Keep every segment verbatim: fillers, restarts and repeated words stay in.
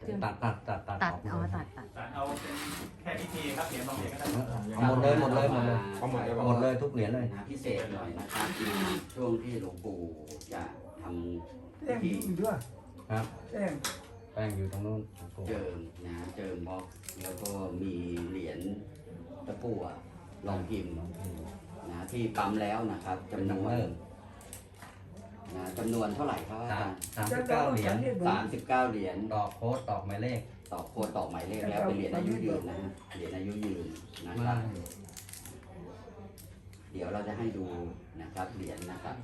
ตัดตัดตัดตัดตัดออกเอาตัดตัดตัดเอาเป็นแค่พิธีครับเหรียญบางเหรียญก็ได้เอาหมดเลยหมดเลยหมดเลยเอาหมดเลยหมดเลยทุกเหรียญเลยนะพิเศษหน่อยนะครับช่วงที่หลวงปู่จะทำแป้งพิธีอยู่ด้วยครับแป้งแป้งอยู่ตรงนู้นเจิมนะเจิมบล็อกแล้วก็มีเหรียญตะกั่วลองพิมพ์นะที่ปั๊มแล้วนะครับจำนวนนะจำนวนเท่าไหร่ครับอาสาจาม รย์สามสิบเก้าเหรียญสามสิบเก้าเหรียญตอกโค้ดตอกหมายเลขต่อโคดต่อหมายเลขแล้วเป็นเหรียญอายุยืนนะฮะเหรียญอายุยืนนะครับ เดี๋ยวเราจะให้ดูนะครับเหรียญนะครับ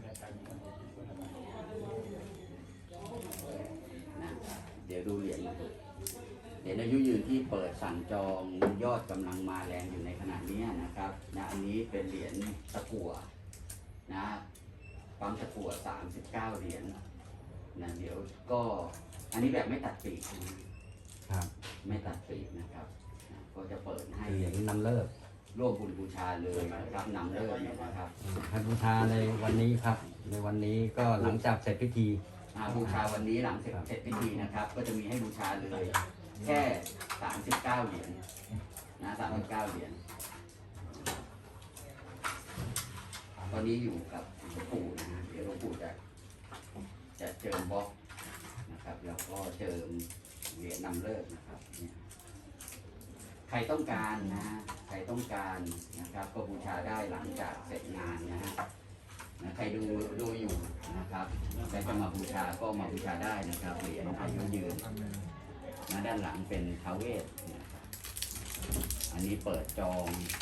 นะเดี๋ยวดูเหรียญนะครับเหรียญอายุยืนที่เปิดสั่งจองยอดกำลังมาแรงอยู่ในขณะนี้นะครับนะอันนี้เป็นเหรียญตะกั่วนะปั๊มตะกั่วสามสิบเก้าเหรียญนะเดี๋ยวก็อันนี้แบบไม่ตัดปีกนะครับ ไม่ตัดปีกนะครับนะก็จะเปิดให้เหรียญนำเลิกร่วมบุญบูชาเลยนะครับนำเลิกเนี่ยนะครับให้บูชาในวันนี้ครับ ในวันนี้ก็หลังจากเสร็จพิธีอ่าบูชาวันนี้หลังเสร็จเสร็จพิธีนะครับ ก็จะมีให้บูชาเลยแค่สามสิบเก้าเหรียญนะสามสิบเก้าเหรียญตอนนี้อยู่กับหลวงปู่นะฮะเดี๋ยวหลวงปู่จะจะเจิมบล็อกนะครับแล้วก็เจิมเหรียญนำเลิกนะครับเนี่ยใครต้องการนะฮะใครต้องการนะครับก็บูชาได้หลังจากเสร็จงานนะฮะนะใครดูดูอยู่นะครับใครจะมาบูชาก็มาบูชาได้นะครับเหรียญอายุยืนนะด้านหลังเป็นท้าวเวสนะครับอันนี้เปิดจอง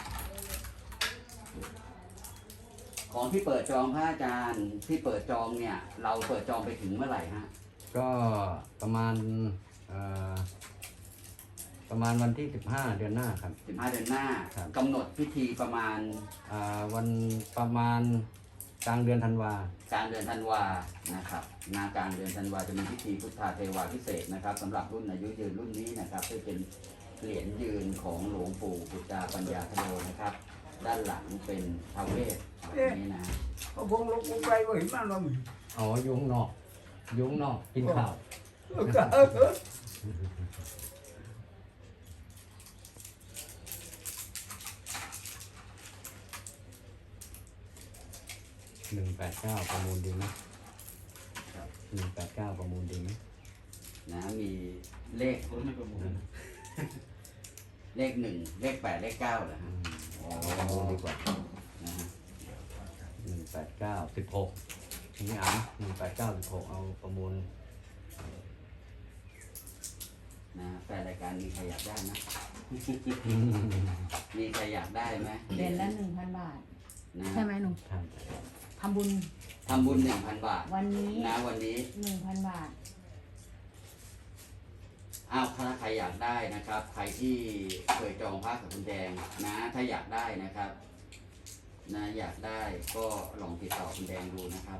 ของที่เปิดจองพระอาจารย์ที่เปิดจองเนี่ยเราเปิดจองไปถึงเมื่อไหร่ฮะก็ประมาณเอ่อประมาณวันที่สิบห้าเดือนหน้าครับสิบห้าเดือนหน้าครับกำหนดพิธีประมาณอ่าวันประมาณกลางเดือนธันวากลางเดือนธันวานะครับนากลางเดือนธันวาจะมีพิธีพุทธาเทวาพิเศษนะครับสำหรับรุ่นอายุยืนรุ่นนี้นะครับที่เป็นเหรียญยืนของหลวงปู่ปุจจาปัญญาธโนนะครับ ด้านหลังเป็นท้าวเวสแบบนี้นะเอาพงลงลงไปว่าเห็นมันว่ามึงอ๋อยุงนอก ยุงนอกกินข้าวเออเออหนึ่งแปดเก้าประมูลดีไหมหนึ่งแปดเก้าประมูลดีไหมนะมีเลขรถไม่ประมูลเลขหนึ่งเลขแปดเลขเก้าเหรออืฮะมอ๋อประมูลดีกว่านะฮะหนึ่งแปดเก้าสิบหกนี่อ่านหนึ่งแปดเก้าสิบหกเอาประมูลนะแฟนรายการมีใครอยากได้ไหม มีใครอยากได้ไหมเดือนละหนึ่งพันบาทนะใช่ไหมหนูครับทำบุญทำบุญหนึ่งพันบาทวันนี้นะวันนี้หนึ่งพันบาทอ้าวถ้าใครอยากได้นะครับ ใครที่เคยจองพระกับคุณแดงนะ ถ้าอยากได้นะครับนะอยากได้ก็ลองติดต่อคุณแดงดูนะครับ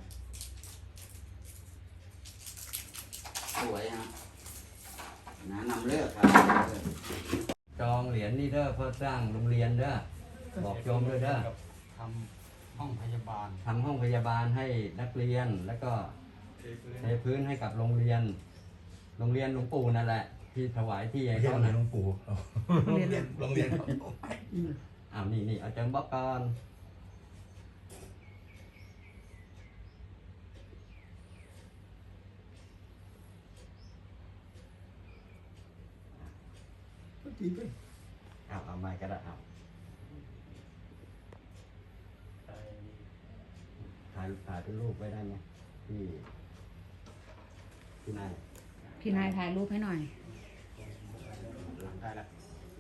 สวยนะนะนำเลิกครับนำเลิกจองเหรียญนี่เด้อเพื่อสร้างโรงเรียนเด้อบอกโยมด้วยเด้อทำห้องพยาบาลทำห้องพยาบาลให้นักเรียนแล้วก็เทพื้นให้กับโรงเรียน โรงเรียนหลวงปู่นั่นแหละ ที่ถวายที่ให้ไม่ใช่เขาโรงเรียน่ะนหลวงปู่โรงเรียนโรงเรียนอ้าวนี่นี่เอาเจิมบล็อกก่อนตีไปเอาเอาไม้ก็ได้เอาถ่ายถ่ายเป็นรูปไว้ได้ไหมที่ที่นายพี่นายถ่ายรูปให้หน่อยได้แล้ว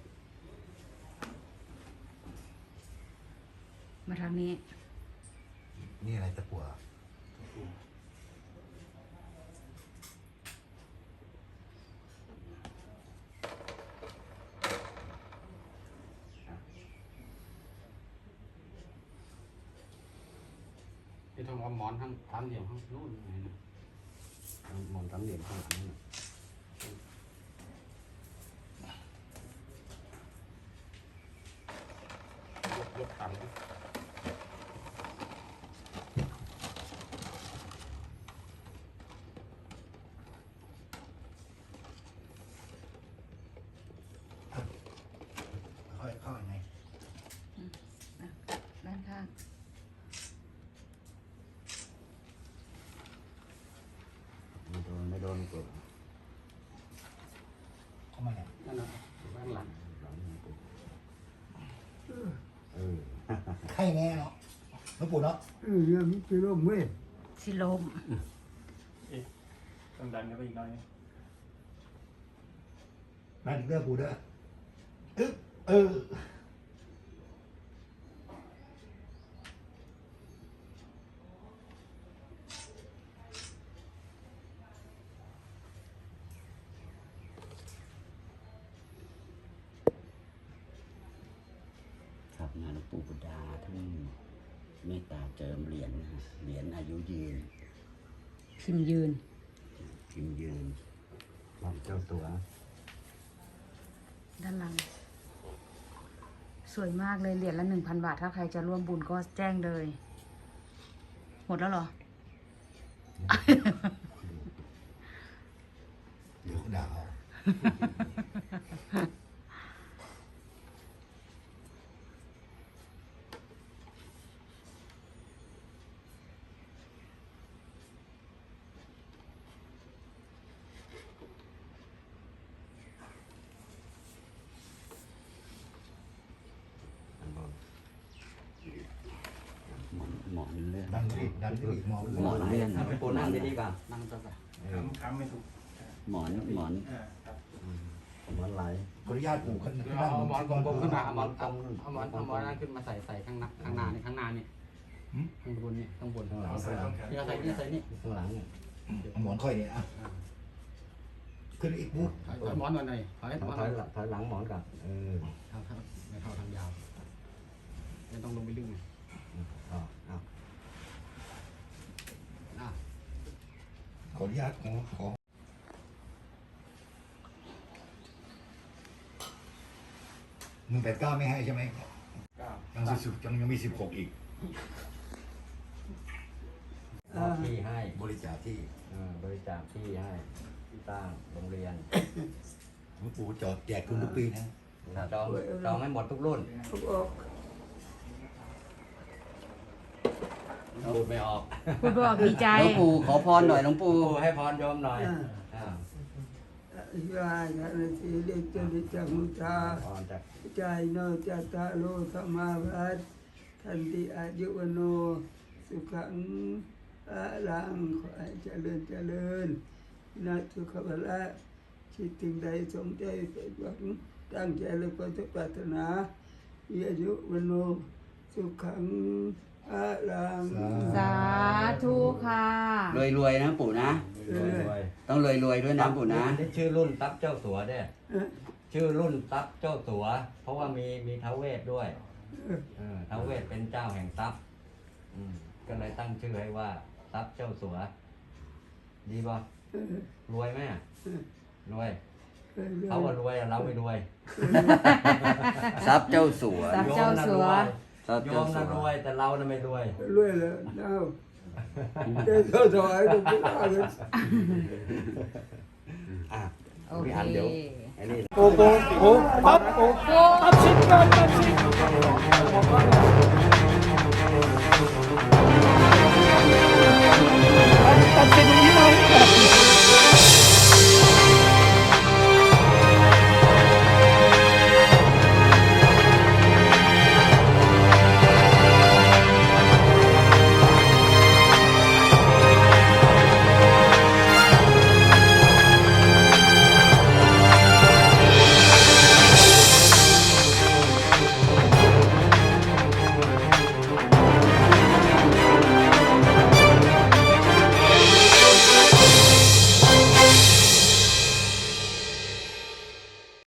มาทางนี้นี่อะไรตะกั่วที่ต้องเอาหมอนทั้งสามเหลี่ยมทั้งนู่นไงนะเอาหมอนสามเหลี่ยมข้างหลังนี่ยกยกต่ำนะหลวงปู่เข้ามาเนี่ยนั่นน่ะบ้านหลังหลังหลวงปู่เออไข่แน่เนาะหลวงปู่เนาะเออยังมีกิโลเมตรสิลมต้องดันกันไปอีกหน่อยนึงนั่นเรื่องปู่เด้อเออเออครับนะหลวงปู่บุดาท่านเมตตาเจิมเหรียญนะฮะเหรียญอายุยืนพิมพ์ยืนพิมพ์ยืนรับเจ้าตัวด้านหลัง สวยมากเลยเหรียญละหนึ่งพันบาท ถ้าใครจะร่วมบุญก็แจ้งเลย หมดแล้วเหรอเดี๋ยวด่าเอาหมอนหมอนเลื่อนดันไปอีกดันไปอีกมองหมอนเลื่อนหลวงปู่นั่งดีๆก่อนนั่งจะไปค้ำค้ำไม่ถูกหมอนหมอนอ่าครับหมอนไหลขออนุญาตปู่ขึ้นขึ้นเอานั่งหมอนกลมๆขึ้นมาเอาหมอนกลเอามหมอนเอาหมอนนั่นขึ้นมาใส่ใส่ข้างหน้าข้างหน้านี่ข้างหน้านี่ข้างบนนี่ข้างบนข้างหลังเอาใส่ต้องแขนนี่เอาใส่นี่ใส่นี่ข้างหลังเนี่ยเอาหมอนค่อยเนี่ยอ่ะขึ้นอีกปุ๊บถอยหมอนมาหน่อยถอยหมอนถอยหลังถอยหลังหมอนกับเออเท่าเท่าไม่เท่าทางยาวไม่ต้องลงไปลึกไงเอาเอาอ่ะขออนุญาตขอขอหนึ่งแปดเก้าไม่ให้ใช่ไหมเก้ายังสิบยังยังมีสิบหกอีกมอบที่ให้บริจาคที่เออบริจาคที่ให้ที่ตั้งโรงเรียนหลวงปู่จอดแจกทุนทุกปีนะจองจองให้หมดทุกรุ่นเขาออกพูดไม่ออกพูดบอกดีใจหลวงปู่ขอพรหน่อยหลวงปู่ปู่ให้พรโยมหน่อยอ่ายายานาทีเด็กจะดิจังมุตาพรจากใจโนจัตตาโลธรรมาวัฏทันติอายุวโน สุขังอาลังขอให้เจริญเจริญนาสุขภละคิดถึงใดสมใจเป็นหวังตั้งใจและก็จะปรารถนามีอายุวโน สุขังอาลังสาธุค่ะรวยรวยๆนะปู่นะรวยรวยต้องรวยรวยๆด้วยนะปู่นะอันี่ชื่อรุ่นตับเจ้าสัวเด้เอ๊ะชื่อรุ่นตับเจ้าสัว เพราะว่ามีมีท้าวเวทด้วยเออท้าวเวทเป็นเจ้าแห่งทรัพย์อืมก็เลยตั้งชื่อให้ว่าตับเจ้าสัว ดีป่ะเอ๊ะรวยไหมอะรวยเอ๊ะเขาว่ารวยอะเราไม่รวยทรัพย์เจ้าสัวทรัพย์เจ้าสัวทรัพย์โยเจ้าม สัน่ะวรวยแต่เราน่ะไม่รวยรวยเลยเอ้าได้เท่าถอยทุกอย่างเลยอ่ะโอพี่เคอันเดี๋ยวไอ้นี่โอ้โหโอ้ปั๊บโอ้ปั๊บชิ้นกันปั๊บชิ้น